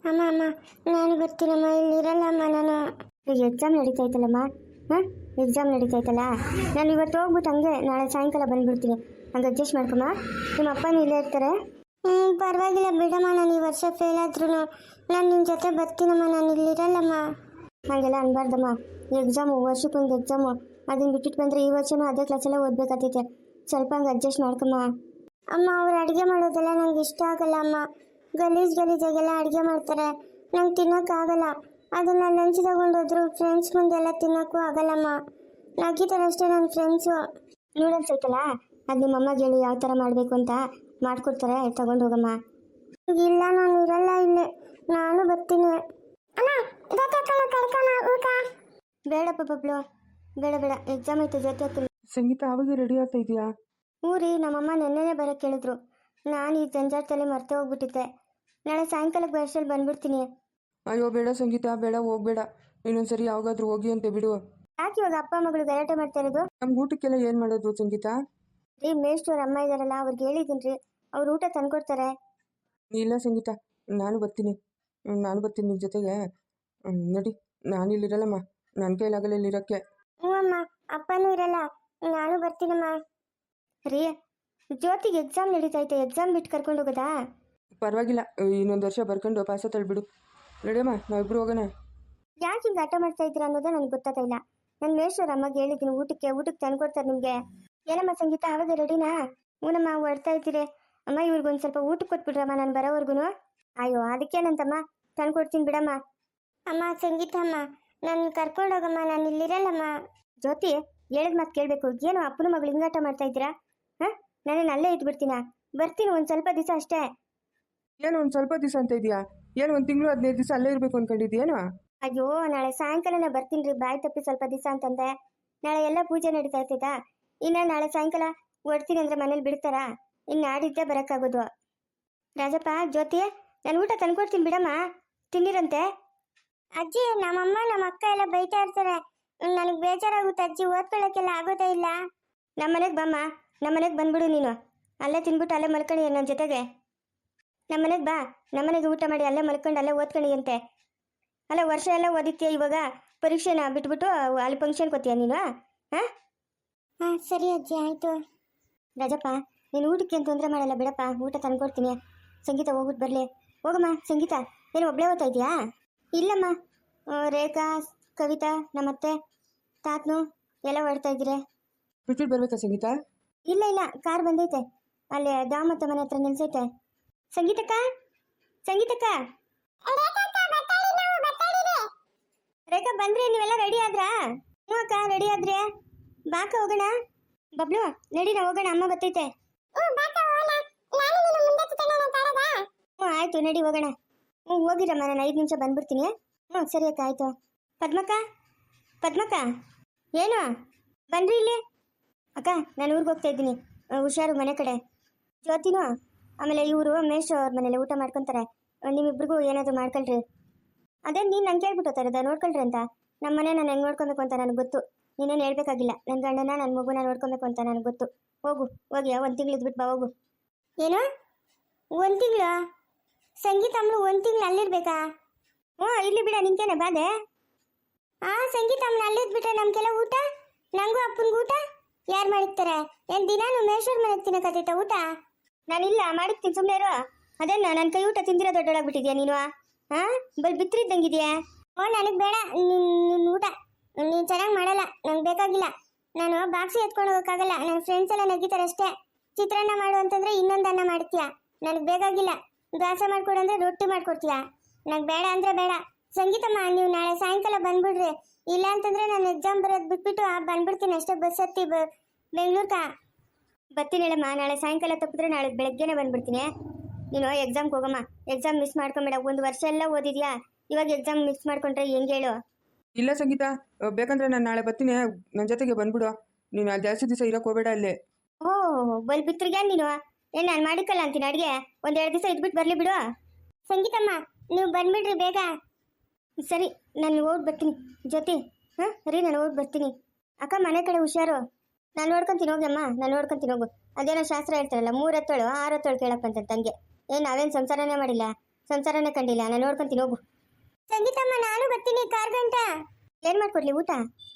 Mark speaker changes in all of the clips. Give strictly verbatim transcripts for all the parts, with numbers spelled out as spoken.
Speaker 1: ಅಮ್ಮ ಅಮ್ಮ ನಾನು ಬರ್ತೀನಮ್ಮ, ಇಲ್ಲಿರಲ್ಲಮ್ಮ ನಾನು.
Speaker 2: ಈಗ ಎಕ್ಸಾಮ್ ನಡೀತೈತಲ್ಲಮ್ಮ. ಹಾಂ, ಎಕ್ಸಾಮ್ ನಡೀತೈತಲ್ಲ, ನಾನು ಇವತ್ತು ಹೋಗ್ಬಿಟ್ಟು ಹಂಗೆ ನಾಳೆ ಸಾಯಂಕಾಲ ಬಂದುಬಿಡ್ತೀನಿ. ಹಂಗೆ ಅಡ್ಜಸ್ಟ್ ಮಾಡ್ಕೊಮ್ಮ. ನಿಮ್ಮ ಅಪ್ಪನೂ ಇಲ್ಲೇ ಇರ್ತಾರೆ.
Speaker 1: ಹ್ಞೂ ಪರವಾಗಿಲ್ಲ ಬಿಡಮ್ಮ, ನಾನು ಈ ವರ್ಷ ಫೇಲ್ ಆದ್ರೂ ನಾನು ನಿನ್ನ ಜೊತೆ ಬರ್ತೀನಮ್ಮ, ನಾನು ಇಲ್ಲಿರಲ್ಲಮ್ಮ.
Speaker 2: ಹಾಗೆಲ್ಲ ಅನ್ಬಾರ್ದಮ್ಮ. ಎಕ್ಸಾಮು ವರ್ಷಕ್ಕೊಂದು ಎಕ್ಸಾಮು, ಅದನ್ನು ಬಿಟ್ಟಿಟ್ಟು ಬಂದರೆ ಈ ವರ್ಷನೂ ಅದೇ ಕ್ಲಾಸೆಲ್ಲ ಓದಬೇಕಾಗ್ತೈತೆ. ಸ್ವಲ್ಪ ಹಂಗೆ ಅಡ್ಜಸ್ಟ್ ಮಾಡ್ಕೊಮ್ಮ.
Speaker 1: ಅಮ್ಮ ಅವ್ರು ಅಡುಗೆ ಮಾಡೋದೆಲ್ಲ ನಂಗೆ ಇಷ್ಟ ಆಗಲ್ಲ ಅಮ್ಮ. ಗಲೀಜು ಗಲೀಜಾಗೆಲ್ಲ ಅಡುಗೆ ಮಾಡ್ತಾರೆ, ನಂಗೆ ತಿನ್ನೋಕ್ಕಾಗಲ್ಲ. ಅದನ್ನ ಲಂಚ್ ತಗೊಂಡೋದ್ರು ಫ್ರೆಂಡ್ಸ್ ಮುಂದೆಲ್ಲ ತಿನ್ನೋಕ್ಕೂ ಆಗಲ್ಲಮ್ಮ. ನಗಿತಾರಷ್ಟೇ ನನ್ನ ಫ್ರೆಂಡ್ಸು.
Speaker 2: ನೂಡಲ್ಸ್ ಐತಲ್ಲ, ಅದು ನಿಮ್ಮ ಅಮ್ಮಗೆ ಹೇಳಿ ಯಾವ ಥರ ಮಾಡಬೇಕು ಅಂತ ಮಾಡಿಕೊಡ್ತಾರೆ, ತಗೊಂಡು ಹೋಗಮ್ಮ.
Speaker 1: ಇಲ್ಲ ನಾನು ಇರಲ್ಲ ಇಲ್ಲೇ, ನಾನು ಬರ್ತೀನಿ.
Speaker 2: ಬೇಡಪ್ಪ ಬಬ್ಲು, ಬೇಡ ಬೇಡ, ಎಕ್ಸಾಮ್ ಐತೆ ಜೊತೆ ಆಗ್ತೀನಿ.
Speaker 3: ಸಂಗೀತ ಆವಾಗ ರೆಡಿ ಆಗ್ತಾ ಇದೆಯಾ?
Speaker 2: ಊರಿ ನಮ್ಮಮ್ಮ ನೆನ್ನೆನೇ ಬರೋಕ್ಕೆ ಕೇಳಿದ್ರು. ನಾನು ಈ ಜಂಜಾಟದಲ್ಲಿ ಮರ್ತೇ ಹೋಗ್ಬಿಟ್ಟಿದ್ದೆ. ನಾಳೆ ಸಾಯಂಕಾಲಕ್ಕೆ ಬಸ್ಸಲ್ಲಿ ಬಂದ್ಬಿಡ್ತೀನಿ.
Speaker 3: ಅಯ್ಯೋ ಬೇಡ ಸಂಗೀತ, ಬೇಡ, ಹೋಗ್ಬೇಡ. ಇನ್ನೊಂದ್ಸರಿ ಯಾವಾಗಾದ್ರೂ ಹೋಗಿ ಅಂತ ಬಿಡು.
Speaker 2: ಯಾಕೆ ಇವಾಗ ಅಪ್ಪ ಮಗಳು ಗಲಾಟೆ ಮಾಡ್ತಾ ಇರೋದು?
Speaker 3: ನಮ್ಗೆ ಊಟಕ್ಕೆಲ್ಲ ಏನು ಮಾಡೋದು ಸಂಗೀತ?
Speaker 2: ರೀ ಮೇಷ್ಟ್ರು ಅಮ್ಮ ಇದ್ದಾರಲ್ಲ, ಅವ್ರಿಗೆ ಹೇಳಿದ್ದೀನಿ ರೀ, ಅವ್ರು ಊಟ ತಂದ್ಕೊಡ್ತಾರೆ.
Speaker 3: ಇಲ್ಲ ಸಂಗೀತ, ನಾನು ಬರ್ತೀನಿ, ನಾನು ಬರ್ತೀನಿ ನಿನ್ನ ಜೊತೆಗೆ. ನೋಡಿ, ನಾನು ಇಲ್ಲಿರಲ್ಲಮ್ಮ, ನನ್ನ ಕೈಲಾಗಲ್ಲ ಇಲ್ಲಿರೋಕ್ಕೆ.
Speaker 1: ಹ್ಞೂ ಅಮ್ಮ, ಅಪ್ಪನೂ ಇರಲ್ಲ, ನಾನು ಬರ್ತೀನಮ್ಮ.
Speaker 2: ರೀ ಜ್ಯೋತಿಗೆ ಎಕ್ಸಾಮ್ ನಡೀತೈತೆ, ಎಕ್ಸಾಮ್ ಬಿಟ್ಟು ಕರ್ಕೊಂಡು ಹೋಗೋದಾ?
Speaker 3: ಪರವಾಗಿಲ್ಲ, ಇನ್ನೊಂದು ವರ್ಷ ಬರ್ಕೊಂಡು ಪಾಸ ತಳ್ಬಿಡು. ನಡಿಯಮ್ಮ, ನಾವಿಬ್ರು ಹೋಗೋಣ.
Speaker 2: ಯಾಕೆ ಹಿಂಗೆ ಆಟ ಮಾಡ್ತಾ ಇದ್ದೀರಾ ಅನ್ನೋದೇ ನನಗೆ ಗೊತ್ತಾಗ್ತಾ ಇಲ್ಲ. ನನ್ನ ಮೇಷ್ಟ್ರ ಅಮ್ಮಗೆ ಹೇಳಿದ್ದೀನಿ, ಊಟಕ್ಕೆ ಊಟಕ್ಕೆ ತಂದ್ಕೊಡ್ತಾರೆ ನಿಮಗೆ. ಏನಮ್ಮ ಸಂಗೀತ, ಆವಾಗ ರೆಡಿನಾ? ಹ್ಞೂನಮ್ಮ, ಹೊಡ್ತಾ ಇದ್ದೀರಿ. ಅಮ್ಮ ಇವ್ರಿಗೊಂದು ಸ್ವಲ್ಪ ಊಟಕ್ಕೆ ಕೊಟ್ಬಿಡ್ರಮ್ಮ, ನಾನು ಬರೋವರೆಗೂ. ಅಯ್ಯೋ ಅದಕ್ಕೇನಂತಮ್ಮ, ತಂದ್ಕೊಡ್ತೀನಿ ಬಿಡಮ್ಮ.
Speaker 1: ಅಮ್ಮ ಸಂಗೀತಮ್ಮ, ನನ್ನ ಕರ್ಕೊಂಡೋಗಮ್ಮ, ನಾನು ಇಲ್ಲಿರಲ್ಲಮ್ಮ.
Speaker 2: ಜ್ಯೋತಿ ಹೇಳಿದ ಮಾತು ಕೇಳಬೇಕು. ಏನು ಅಪ್ಪನ ಮಗಳು ಹಿಂಗಾಟ ಮಾಡ್ತಾ ಇದ್ದೀರಾ? ಹಾಂ, ನಾನೇನು ಅಲ್ಲೇ ಇದ್ಬಿಡ್ತೀನ? ಬರ್ತೀನಿ ಒಂದು ಸ್ವಲ್ಪ ದಿವಸ ಅಷ್ಟೇ.
Speaker 3: ಏನು ಒಂದು ಸ್ವಲ್ಪ ದಿವಸ ಅಂತ ಇದೆಯಾ? ಏನು ಒಂದು ತಿಂಗಳು ಹದಿನೈದು ದಿವಸ ಅಲ್ಲೇ ಇರಬೇಕು ಅಂದ್ಕೊಂಡಿದ್ದೀಯೇನು?
Speaker 2: ಅಯ್ಯೋ ನಾಳೆ ಸಾಯಂಕಾಲನೇ ಬರ್ತೀನಿ ರೀ, ಬಾಯ್ ತಪ್ಪಿ ಸ್ವಲ್ಪ ದಿವಸ ಅಂತಂದೆ. ನಾಳೆ ಎಲ್ಲ ಪೂಜೆ ನಡೀತಾ ಇರ್ತೈತಾ? ಇನ್ನು ನಾಳೆ ಸಾಯಂಕಾಲ ಹೊಡ್ತೀನಿ ಅಂದರೆ ಮನೇಲಿ ಬಿಡ್ತಾರಾ? ಇನ್ನು ನಾಡಿದ್ದೇ ಬರೋಕ್ಕಾಗೋದು. ರಾಜಪ್ಪ, ಜ್ಯೋತಿ, ನಾನು ಊಟ ತಂದ್ಕೊಡ್ತೀನಿ ಬಿಡಮ್ಮ, ತಿನ್ನಿರಂತೆ.
Speaker 1: ಅಜ್ಜಿ, ನಮ್ಮಮ್ಮ ನಮ್ಮ ಅಕ್ಕ ಎಲ್ಲ ಬೈತಾ ಇರ್ತಾರೆ, ನನಗೆ ಬೇಜಾರಾಗುತ್ತೆ ಅಜ್ಜಿ, ಓದ್ಕೊಳ್ಳೋಕ್ಕೆಲ್ಲ ಆಗೋದೇ ಇಲ್ಲ.
Speaker 2: ನಮ್ಮ ಮನೆಗೆ ಬಮ್ಮ, ನಮ್ಮ ಮನೆಗೆ ಬಂದ್ಬಿಡು ನೀನು. ಅಲ್ಲೇ ತಿನ್ಬಿಟ್ಟು ಅಲ್ಲೇ ಮಲ್ಕೊಳ್ಳಿ ನನ್ನ ಜೊತೆಗೆ. ನಮ್ಮ ಮನೆಗೆ ಬಾ, ನಮ್ಮ ಮನೆಗೆ ಊಟ ಮಾಡಿ ಅಲ್ಲೇ ಮಲ್ಕೊಂಡು ಅಲ್ಲೇ ಓದ್ಕೊಳ್ಳಿ ಅಂತೆ. ಅಲ್ಲ ವರ್ಷ ಎಲ್ಲ ಓದಿತ್ತೀಯ, ಇವಾಗ ಪರೀಕ್ಷೆನ ಬಿಟ್ಬಿಟ್ಟು ಅಲ್ಲಿ ಫಂಕ್ಷನ್ ಕೊತ್ತೀಯ ನೀನು? ಹಾಂ
Speaker 1: ಹಾಂ ಸರಿ ಅಜ್ಜಿ, ಆಯಿತು.
Speaker 2: ರಾಜಪ್ಪ, ನೀನು ಊಟಕ್ಕೆ ಏನು ತೊಂದರೆ ಮಾಡಲ್ಲ ಬಿಡಪ್ಪ, ಊಟ ತಂದ್ಕೊಡ್ತೀನಿ. ಸಂಗೀತ ಹೋಗ್ಬಿಟ್ಟು ಬರಲಿ. ಹೋಗಮ್ಮ ಸಂಗೀತ, ಏನು ಒಬ್ಬಳೇ ಓದ್ತಾ ಇದೆಯಾ? ಇಲ್ಲಮ್ಮ, ರೇಖಾ, ಕವಿತಾ, ನಮ್ಮತ್ತೆ, ತಾತನು ಎಲ್ಲ ಹೊಡ್ತಾ ಇದ್ದೀರಿ.
Speaker 3: ಬಿಟ್ಬಿಟ್ಟು ಬರ್ಬೇಕಾ ಸಂಗೀತ?
Speaker 2: ಇಲ್ಲ ಇಲ್ಲ, ಕಾರ್ ಬಂದೈತೆ, ಅಲ್ಲಿ ದಾಮತ್ತ ಮನೆ ಹತ್ರ ನಿಲ್ಸೈತೆ. ಸಂಗೀತಕ್ಕ, ಸಂಗೀತಕ್ಕ, ರೇಖಾ ಬಂದ್ರಿ? ನೀವೆಲ್ಲ ರೆಡಿ ಆದ್ರಾ? ಹ್ಞೂ ಅಕ್ಕ, ರೆಡಿ ಆದ್ರೆ ಬಾಕ ಹೋಗೋಣ. ಬಬ್ಲು ನಡಿ, ನಾ ಹೋಗೋಣ, ಅಮ್ಮ ಬರ್ತೈತೆ. ಹ್ಞೂ ಆಯ್ತು, ನಡಿ ಹೋಗೋಣ. ಹ್ಞೂ ಹೋಗಿರಮ್ಮ, ನಾನು ಐದು ನಿಮಿಷ ಬಂದ್ಬಿಡ್ತೀನಿ. ಹ್ಞೂ ಸರಿ ಅಕ್ಕ, ಆಯಿತು. ಪದ್ಮಕ್ಕ, ಪದ್ಮಕ್ಕ, ಏನು ಬನ್ರಿ ಇಲ್ಲಿ. ಅಕ್ಕ, ನಾನು ಊರಿಗೆ ಹೋಗ್ತಾ ಇದ್ದೀನಿ, ಹುಷಾರು ಮನೆ ಕಡೆ. ಜ್ಯೋತಿನೂ ಆಮೇಲೆ ಇವರು ಮೇಷ್ ಅವ್ರ ಮನೇಲಿ ಊಟ ಮಾಡ್ಕೊತಾರೆ. ನಿಮ್ಮಿಬ್ರಿಗೂ ಏನಾದರೂ ಮಾಡ್ಕೊಳ್ರಿ. ಅದೇ ನೀನು ನಂಗೆ ಕೇಳ್ಬಿಟ್ಟು ತರದ ನೋಡ್ಕೊಳ್ರಿ ಅಂತ. ನಮ್ಮ ಮನೆ ನಾನು ಹೆಂಗೆ ನೋಡ್ಕೊಬೇಕು ಅಂತ ನನಗೆ ಗೊತ್ತು, ನೀನೇನು ಹೇಳ್ಬೇಕಾಗಿಲ್ಲ. ನನ್ನ ಗಂಡನ ನನ್ನ ಮಗುನ ನೋಡ್ಕೊಬೇಕು ಅಂತ ನನಗೆ ಗೊತ್ತು. ಹೋಗು, ಹೋಗಿ ಒಂದು ತಿಂಗಳು ಇದ್ಬಿಟ್ಟು ಬಾ, ಹೋಗು.
Speaker 1: ಏನು ಒಂದು ತಿಂಗಳು? ಸಂಗೀತ ಅಮ್ಮಳು ಒಂದು ತಿಂಗಳು ಅಲ್ಲಿರ್ಬೇಕಾ?
Speaker 2: ಹ್ಞೂ ಇಲ್ಲಿ ಬಿಡ, ನಿಂಕೇನೆ ಬಾದೆ.
Speaker 1: ಆ ಸಂಗೀತ ಅಮ್ಮನ ಅಲ್ಲಿದ್ಬಿಟ್ರೆ ನಮ್ಗೆಲ್ಲ ಊಟ, ನಂಗೂ ಅಪ್ಪನಿಗೂ ಊಟ ಯಾರು ಮಾಡಿರ್ತಾರೆ? ಏನು ದಿನಾನು ಮೇಶ್ವರ್ ಮನೆಗೆ ತಿನ್ನಕತ್ತೈತ ಊಟ?
Speaker 2: ನಾನಿಲ್ಲ, ಮಾಡಿರ್ತೀನಿ, ಸುಮ್ಮನೆ ಇರೋ. ಅದೇನ ನನ್ನ ಕೈ ಊಟ ತಿಂದಿರೋ ದೊಡ್ಡೊಳಗ್ಬಿಟ್ಟಿದ್ಯಾ ನೀನು? ಹಾಂ, ಬಲ್ ಬಿತ್ತರಿದ್ದಂಗಿದೆಯಾ?
Speaker 1: ಓ ನನಗೆ ಬೇಡ ನಿನ್ನ ಊಟ, ನೀನು ಚೆನ್ನಾಗಿ ಮಾಡಲ್ಲ, ನಂಗೆ ಬೇಕಾಗಿಲ್ಲ. ನಾನು ಬಾಕ್ಸಿ ಎತ್ಕೊಂಡು ಹೋಗೋಕ್ಕಾಗಲ್ಲ, ನನ್ನ ಫ್ರೆಂಡ್ಸ್ ಎಲ್ಲ ನಗಿತಾರೆ ಅಷ್ಟೇ. ಚಿತ್ರಾನ್ನ ಮಾಡು ಅಂತಂದರೆ ಇನ್ನೊಂದು ಅನ್ನ ಮಾಡ್ತೀಯ, ನನಗೆ ಬೇಕಾಗಿಲ್ಲ. ದಾಸ ಮಾಡ್ಕೊಡು ಅಂದರೆ ರೊಟ್ಟಿ ಮಾಡ್ಕೊಡ್ತೀಯ, ನಂಗೆ ಬೇಡ ಅಂದರೆ ಬೇಡ. ಸಂಗೀತಮ್ಮ, ನೀವು ನಾಳೆ ಸಾಯಂಕಾಲ ಬಂದ್ಬಿಡ್ರಿ, ಇಲ್ಲ ಅಂತಂದರೆ ನಾನು ಎಕ್ಸಾಮ್ ಬರೋದು ಬಿಟ್ಬಿಟ್ಟು ಬಂದ್ಬಿಡ್ತೀನಿ ಅಷ್ಟೇ. ಬಸ್ ಹತ್ತಿ ಬ ಬೆಂಗ್ಳೂರ್ಗ
Speaker 2: ಬರ್ತೀನಿ ಹೇಳಮ್ಮ. ನಾಳೆ ಸಾಯಂಕಾಲ ತಪ್ಪಿದ್ರೆ ನಾಳೆ ಬೆಳಗ್ಗೆನೇ ಬಂದ್ಬಿಡ್ತೀನಿ. ನೀನು ಎಕ್ಸಾಮ್ಗೆ ಹೋಗಮ್ಮ, ಎಕ್ಸಾಮ್ ಮಿಸ್ ಮಾಡ್ಕೊಂಬೇಡ. ಒಂದು ವರ್ಷ ಎಲ್ಲ ಓದಿದ್ಯಾ, ಇವಾಗ ಎಕ್ಸಾಮ್ ಮಿಸ್ ಮಾಡ್ಕೊಂಡ್ರೆ ಹೆಂಗೆ ಹೇಳು?
Speaker 3: ಇಲ್ಲ ಸಂಗೀತ, ಬೇಕಂದ್ರೆ ನಾನು ನಾಳೆ ಬರ್ತೀನಿ, ನನ್ನ ಜೊತೆಗೆ ಬಂದ್ಬಿಡು. ನೀನು ಅಲ್ಲಿ ಜಾಸ್ತಿ ದಿವಸ ಇರೋಕೆ ಹೋಗಬೇಡ ಅಲ್ಲಿ.
Speaker 2: ಓಹ್, ಬಲ್ ಬಿತ್ರಿಗೆ ನೀನು ಏನು ನಾನು ಮಾಡಿಕಲ್ಲ ಅಂತೀನಿ ಅಡುಗೆ. ಒಂದೆರಡು ದಿವಸ ಇದ್ಬಿಟ್ಟು ಬರಲಿ ಬಿಡು.
Speaker 1: ಸಂಗೀತಮ್ಮ, ನೀವು ಬಂದ್ಬಿಡ್ರಿ ಬೇಗ.
Speaker 2: ಸರಿ, ನಾನು ಓಡ್ ಬರ್ತೀನಿ ಜೊತೆ. ಹಾಂ ರೀ, ನಾನು ಓಡ್ ಬರ್ತೀನಿ. ಅಕ್ಕ, ಮನೆ ಕಡೆ ಹುಷಾರು. ನಾನು ನೋಡ್ಕೊತೀನಿ ಹೋಗಮ್ಮ, ನಾನು ನೋಡ್ಕೊತೀನಿ ಹೋಗು. ಅದೇನೋ ಶಾಸ್ತ್ರ ಹೇಳ್ತಾರಲ್ಲ, ಮೂರು ಹತ್ತೇಳು ಆರು ಹತ್ತೇಳು ಕೇಳಪ್ಪ ಅಂತ ತಂಗೆ. ಏನು ನಾವೇನು ಸಂಸಾರನೇ ಮಾಡಿಲ್ಲ, ಸಂಸಾರನೇ ಕಂಡಿಲ್ಲ. ನಾನು ನೋಡ್ಕೊಂತೀನಿ ಹೋಗು.
Speaker 1: ಸಂಗೀತಮ್ಮ ನಾನು ಬರ್ತೀನಿ ಕಾರ್ ಗಂಟ.
Speaker 2: ಏನು ಮಾಡ್ಕೊಡ್ಲಿ ಊಟ?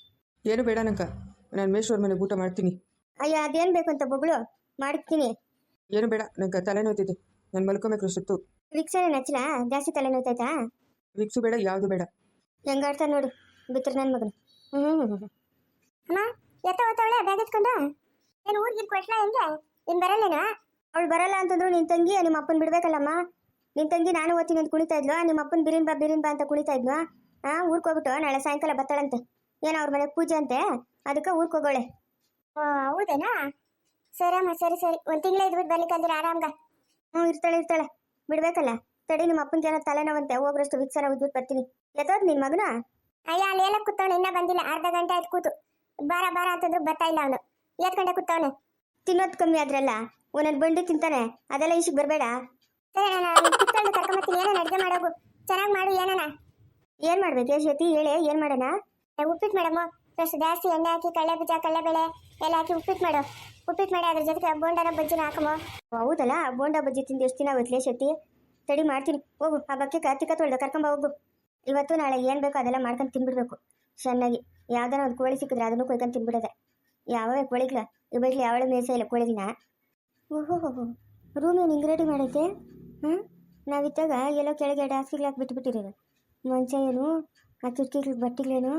Speaker 3: ಏನು ಬೇಡ ನಂಕ, ನಾನು ಮೇಶ್ವರ್ ಮನೆಗೆ ಊಟ ಮಾಡ್ತೀನಿ.
Speaker 2: ಅಯ್ಯೋ ಅದೇನು ಬೇಕು ಅಂತ ಬೊಗಳು ಮಾಡ್ತೀನಿ.
Speaker 3: ಏನು ಬೇಡ, ನಂಗೆ ತಲೆನೋಯ್ತಿದೆ, ನಾನು ಮಲ್ಕೊಬೇಕು ಸುತ್ತು.
Speaker 2: ವಿಕ್ಸನೇ ನಚ್ಚಲ? ಜಾಸ್ತಿ ತಲೆ ನೋಯ್ತಾಯ್ತಾ?
Speaker 3: ವಿಕ್ಸು ಬೇಡ, ಯಾವುದು ಬೇಡ.
Speaker 2: ಹೆಂಗಾಡ್ತಾನೆ ನೋಡು ಬಿತ್ರ ನನ್ನ ಮಗನು. ಹ್ಞೂ ಹ್ಞೂ ಹ್ಞೂ
Speaker 1: ಅಮ್ಮ ಎತ್ತ ಓದ್ತಾವಳೆ ಬ್ಯಾಗ್ ಎತ್ಕೊಂಡು. ಏನು ಊರಿಗೆ ಕೊಟ್ಲ ಹೆಂಗೆ? ಇನ್ನು ಬರಲ್ಲೇನಾ?
Speaker 2: ಅವಳು ಬರಲ್ಲ ಅಂತಂದ್ರು ನಿನ್ನ ತಂಗಿ ನಿಮ್ಮ ಅಪ್ಪನ ಬಿಡ್ಬೇಕಲ್ಲಮ್ಮ. ನಿನ್ನ ತಂಗಿ ನಾನು ಓದ್ತೀನಿ ಅಂತ ಕುಣಿತಾ ಇದ್ಲು, ನಿಮ್ಮ ಅಪ್ಪನ ಬಿರಿನ್ ಬಾ ಬಿರಿನ್ ಬಾ ಅಂತ ಕುಣಿತಾ ಇದ್ಲು. ಹಾಂ ಊರಿಗೆ ಹೋಗ್ಬಿಟ್ಟು ನಾಳೆ ಸಾಯಂಕಾಲ ಬರ್ತಾಳಂತೆ. ಏನೋ ಅವ್ರ ಮನೆಗೆ ಪೂಜೆ ಅಂತೆ, ಅದಕ್ಕೆ ಊರಿಗೆ ಹೋಗೋಳೆ.
Speaker 1: ಓ ಹೌದೇನಾ? ಸರಮ್ಮ ಸರಿ ಸರಿ, ಒಂದು ತಿಂಗಳ ಇದ್ಬಿಟ್ಟು ಬರ್ಲಿಕ್ಕಂದ್ರೆ ಆರಾಮ್ಗ.
Speaker 2: ಹ್ಞೂ ಇರ್ತಾಳೆ ಇರ್ತಾಳೆ, ಬಿಡ್ಬೇಕಲ್ಲ. ತಡಿ ನಿಮ್ಮ ಅಪ್ಪನಿಗೆ ಏನೋ ತಲೆನೋವಂತೆ, ಹೋಗ್ರಷ್ಟು ವಿಕ್ಸನ ಉದ್ಬಿಟ್ಟು ಬರ್ತೀನಿ. ಎತ್ತೋದು ನಿನ್ನ ಮಗನ?
Speaker 1: ಅಯ್ಯ ಅಲ್ಲಿ ಎಲ್ಲ ಕೂತವನು, ಇನ್ನೂ ಬಂದಿಲ್ಲ. ಅರ್ಧ ಗಂಟೆ ಆಯ್ತು ಕೂತು. ಬಾರ ಬಾರ ಅಂತಂದ್ರು ಬರ್ತಾ ಇಲ್ಲ ಅವನು. ಎತ್ ಗಂಟೆ ಕೂತವನು.
Speaker 2: ತಿನ್ನೋದು ಕಮ್ಮಿ ಆದ್ರಲ್ಲ, ಒಂದೊಂದು ಬಂಡಿ ತಿಂತಾನೆ, ಅದೆಲ್ಲ ಈಶಿಗೆ ಬರಬೇಡ.
Speaker 1: ಸರಿ ನಾನು ಕುತ್ಕೊಂಡು ಕರ್ಕೊಂಬತ್ತೀನಿ. ಏನಾನ ಅಡುಗೆ ಮಾಡೋಗು, ಚೆನ್ನಾಗಿ ಮಾಡು. ಏನಾನ
Speaker 2: ಏನು ಮಾಡ್ಬೇಕು ಯಶೋತಿ ಹೇಳಿ, ಏನು ಮಾಡೋಣ?
Speaker 1: ಉಪ್ಪಿಟ್ಟು ಮೇಡಮು. ಫಸ್ಟ್ ಜಾಸ್ತಿ ಎಣ್ಣೆ ಹಾಕಿ ಕಡಲೆ ಬೀಜ ಕಡಲೆಬೇಳೆ ಎಲ್ಲ ಹಾಕಿ ಉಪ್ಪಿಟ್ಟು ಮಾಡು. ಉಪ್ಪಿಟ್ಟು ಮಾಡಿ ಅದ್ರ ಜೊತೆಗೆ ಬೋಂಡನ ಬಜ್ಜಿನ ಹಾಕಮೋ.
Speaker 2: ಹೌದಲ್ಲ, ಬೋಂಡ ಬಜ್ಜಿ ತಿಂದು ಎಷ್ಟು ದಿನ ಆಗುತ್ತೆ ಯಶೋತಿ? ತಡಿ ಮಾಡ್ತೀನಿ ಹೋಗು. ಆ ಬಕ್ಕೆ ಕಾರ್ತಿಕ ತೊಳ್ದ ಕರ್ಕೊಂಬ ಹೋಗು. ಇವತ್ತು ನಾಳೆ ಏನು ಬೇಕೋ ಅದೆಲ್ಲ ಮಾಡ್ಕೊಂಡು ತಿನ್ಬಿಡ್ಬೇಕು ಚೆನ್ನಾಗಿ. ಯಾವ್ದಾರ ಒಂದು ಕೋಳಿ ಸಿಕ್ಕಿದ್ರೆ ಅದನ್ನು ಕೊಯ್ಕೊಂಡು ತಿನ್ಬಿಡೋದೆ. ಯಾವೇ ಕೋಳಿಗ್ಲ ಇವಟ್ಲಿ ಯಾವಳ ಮೇಸ ಇಲ್ಲ ಕೋಳಿದಿನ. ಓಹೋ ಹೋ ರೂಮ್ ಏನು ಹಿಂಗೆ ರೆಡಿ ಮಾಡೈತೆ? ಹಾಂ ನಾವಿದ್ದಾಗ ಎಲ್ಲೋ ಕೆಳಗೆ ಎರಡು ಹಾಸಿಗೆ ಹಾಕಿ ಬಿಟ್ಬಿಟ್ಟಿರೋದು. ಮಂಚ ಏನು, ಆ ಕಿಟಕಿಗಳು ಬಟ್ಟೆಗಳೇನು,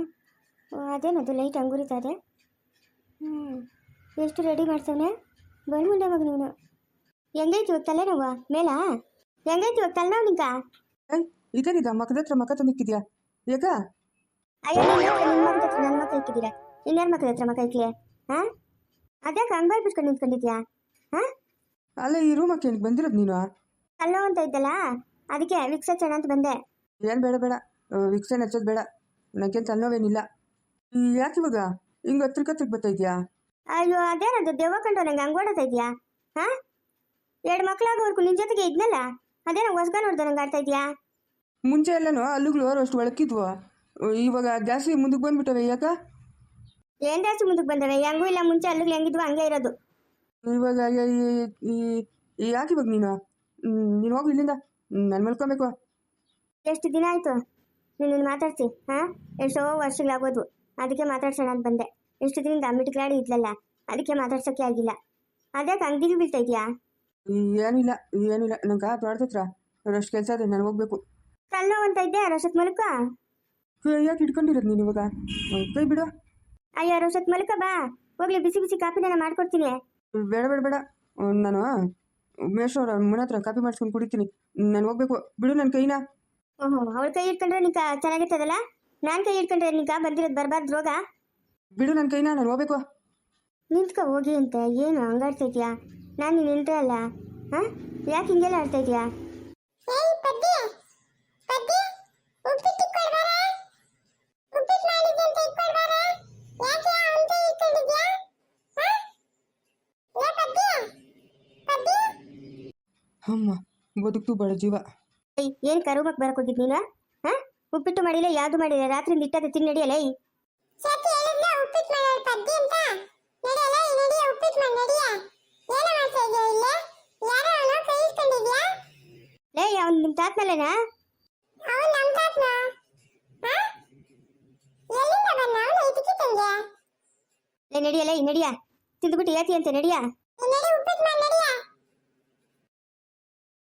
Speaker 2: ಅದೇನದು ಲೈಟ್ ಅಂಗುರಿತದೆ. ಹ್ಞೂ ಎಷ್ಟು ರೆಡಿ ಮಾಡ್ಸವನೆ ಬಂದು ಮುಂಡೆ ಮಗ ನೀನು. ಹೆಂಗೈತಿ ಇವಾಗ ತಲೆನೋವ ಮೇಲಾ? ಹೆಂಗೈತಿ ಇವಾಗ ತಲೆನೋವು ನಿಂಕ?
Speaker 3: ಏಯ್ ಇದೇನಿದ ಮಕ್ಕದ ಹತ್ರ ಮಕ್ಕ ತಂದಿಕ್ಕಿದ್ಯಾ ಯಾಕ?
Speaker 2: ಅಯ್ಯೋ ನಿಮ್ಮ ಮಕ್ಕಳ ಹತ್ರ ನನ್ನ ಮಕ್ಕ ಇಕ್ಕಿದ್ದೀರಾ, ಇನ್ಯಾರ ಮಕ್ಕಳ ಹತ್ರ ಮಕ್ಕ ಇಕ್ಲಿ? ಹಾಂ ಅದ್ಯಾಕೆ ಹಂಗೆ ಬಿಟ್ಕೊಂಡು ನಿಂತ್ಕೊಂಡಿದ್ಯಾ? ಹಾಂ
Speaker 3: ಅಲ್ಲ ಈ ರೂಮಕ್ಕೆ ಏನಕ್ಕೆ ಬಂದಿರೋದು ನೀನು?
Speaker 2: ಅಲ್ಲೋ ಅಂತ ಇದ್ದಲ್ಲ, ಅದಕ್ಕೆ ವಿಕ್ಸ ಚೆನ್ನ ಅಂತ ಬಂದೆ.
Speaker 3: ಏನು ಬೇಡ ಬೇಡ, ವಿಕ್ಸನ್ ಹಚ್ಚೋದು ಬೇಡ, ನನಗೇನು ತಲೆನೋವೇನಿಲ್ಲ. ಯಾಕೆ ಇವಾಗ ಹಿಂಗೆ ಹತ್ರ ಹತ್ರಕ್ಕೆ ಬರ್ತಾ ಇದೆಯಾ?
Speaker 2: ಅಯ್ಯೋ ಅದೇನದು ದೆವ್ವ ಕಂಡು ನಂಗೆ ಹಂಗೆ ಓಡಾಡ್ತಾ ಇದೆಯಾ? ಹಾಂ ಎರಡು ಮಕ್ಕಳಾಗೋವರೆಗೂ ನಿನ್ನ ಜೊತೆಗೆ ಇದ್ನಲ್ಲ, ಅದೇನೋ ಹೊಸ್ಗ ನೋಡ್ದೆ ನಂಗೆ ಆಡ್ತಾ ಇದೆಯಾ?
Speaker 3: ಮುಂಚೆ ಎಲ್ಲನೂ ಅಲ್ಲುಗಳು ಅಷ್ಟು ಒಳಕಿದ್ವು, ಇವಾಗ ಜಾಸ್ತಿ ಮುಂದಕ್ಕೆ ಬಂದ್ಬಿಟ್ಟವೆ ಯಾಕ?
Speaker 2: ಏನು ಜಾಸ್ತಿ ಮುಂದಕ್ಕೆ ಬಂದವೆ? ಹೆಂಗೂ ಇಲ್ಲ, ಮುಂಚೆ ಅಲ್ಲಿಗೆ ಹೆಂಗಿದ್ವು ಹಂಗೆ ಇರೋದು.
Speaker 3: ಇವಾಗ ಯಾಕೆ ಇವಾಗ ನೀನು ನೀನು ಹೋಗಿ ಇಲ್ಲಿಂದ, ನಾನು ಮಲ್ಕೊಬೇಕು.
Speaker 2: ಎಷ್ಟು ದಿನ ಆಯಿತು ನೀನು ಮಾತಾಡ್ಸಿ? ಹಾಂ ಎಷ್ಟೋ ವರ್ಷಗಳಾಗೋದು, ಅದಕ್ಕೆ ಮಾತಾಡ್ಸೋಣ ಅಂತ ಬಂದೆ. ಎಷ್ಟು ದಿನದಿಂದ ಮಿಟ್ಕಲಾಡಿ ಇದ್ಲಲ್ಲ, ಅದಕ್ಕೆ ಮಾತಾಡ್ಸೋಕ್ಕೆ ಆಗಿಲ್ಲ. ಅದ್ಯಾಕೆ ಅಂಗಡಿಗೆ ಬೀಳ್ತಾ ಇದೆಯಾ?
Speaker 3: ಏನಿಲ್ಲ ಏನಿಲ್ಲ, ನಂಗೆ ತೋಟದ ಹತ್ರ ಅಷ್ಟು ಕೆಲಸ ಇದೆ, ನಾನು ಹೋಗ್ಬೇಕು.
Speaker 2: ತಲೆನೋವು ಅಂತ ಇದ್ದೆ ರೋಷತ್ ಮಲ್ಕ.
Speaker 3: ಯಾಕೆ ಇಟ್ಕೊಂಡಿರೋದು ನೀನು ಇವಾಗ? ಕೈ ಬಿಡು.
Speaker 2: ಅಯ್ಯೋ ರೋಷತ್ ಮಲ್ಕ ಬಾ, ಹೋಗ್ಲಿ ಬಿಸಿ ಬಿಸಿ ಕಾಪಿನ ಮಾಡ್ಕೊಡ್ತೀನಿ.
Speaker 3: ಬೇಡ ಬೇಡ ಬೇಡ, ನಾನು ಮೇಶ್ವರ ಮನೆ ಹತ್ರ ಕಾಪಿ ಮಾಡಿಸ್ಕೊಂಡು ಕುಡಿತೀನಿ, ನಾನು ಹೋಗ್ಬೇಕು. ಬಿಡು ನನ್ನ ಕೈನ.
Speaker 2: ಓಹೋ ಅವಳ ಕೈ ಇಟ್ಕೊಂಡ್ರೆ ನಿಂಕ ಚೆನ್ನಾಗಿರ್ತದಲ್ಲ, ನಾನು ಕೈ ಇಟ್ಕೊಂಡ್ರೆ ನಿಂಕ ಬಂದಿರೋದು ಬರಬಾರ್ದು ರೋಗ.
Speaker 3: ಬಿಡು ನನ್ನ ಕೈನ, ನಾನು ಹೋಗ್ಬೇಕು.
Speaker 2: ನಿಂತ್ಕೊ ಹೋಗಿ ಅಂತ ಏನು ಹಂಗಾಡ್ತಾ ಇದೆಯಾ? ನಾನು ನೀನು ನಿಂತೆ ಅಲ್ಲ. ಹಾಂ ಯಾಕೆ ಹಿಂಗೆಲ್ಲ ಆಡ್ತಾ ಇದೆಯಾ?
Speaker 1: ಏಯ್ ಪದ್ದಿ ಪದ್ದಿ ಉಪ್ಪಿಟ್ಟು ಕೊಡ್ಬಾರ. ಉಪ್ಪಿಟ್ಟು ಮಾಡಿದ್ದೆ ಅಂತ ಇಟ್ಕೊಳ್ಬಾರ. ಯಾಕೆ ಅಂತ ಇಟ್ಕೊಂಡಿದ್ಯಾ? ಹಾಂ ಏ ಪದ್ದಿ ಪದ್ದಿ
Speaker 3: ಅಮ್ಮ ಬದುಕ್ತು ಬಡ ಜೀವ.
Speaker 2: ಏಯ್ ಏನು ಕರುಮಕ್ಕೆ ಬರಕ್ಕೆ ಹೋಗಿದ್ದು ನೀನು? ಹಾಂ ಉಪ್ಪಿಟ್ಟು ಮಾಡಿಲ್ಲ, ಯಾವುದು ಮಾಡಿಲ್ಲ, ರಾತ್ರಿಯಿಂದ ಇಟ್ಟದೆ ತಿನ್ನು ನಡಿಯಲ್ಲ. ಏಯ್
Speaker 1: ಸತಿ ಹೇಳಿದ್ನ ಉಪ್ಪಿಟ್ಟು ಮಾಡೋಳು ಪದ್ದಿ ಅಂತ. ನಡೆಯಲ್ಲ ಈ ನಡಿಯ ಉಪ್ಪಿಟ್ಟು ಮಾಡಿ ನಡಿಯ. ಏನು ಮಾಡ್ತಾ ಇದೆಯಾ ಇಲ್ಲೇ? ಯಾರೋ ಅವನು ಕೈ ಇಟ್ಕೊಂಡಿದ್ಯಾ?
Speaker 2: ಲೇ ಅವ್ನು ನಿಮ್ಮ ತಾತ್ನಲ್ಲೇನಾ?
Speaker 1: ಅವನು ನಮ್ಮ ತಾತನ? ಹಾಂ ಎಲ್ಲಿಂದ ಬಂದ ಅವನು ಇದಕ್ಕೆ ತಂದೆ?
Speaker 2: ಲೇ ನಡಿಯಲ್ಲ ಈ ನಡಿಯ, ತಿಂದುಬಿಟ್ಟು ಏತಿ ಅಂತ ನಡಿಯ.
Speaker 1: ನಡಿ ಉಪ್ಪಿಟ್ಟು ಮಾಡಿ ನಡಿಯ.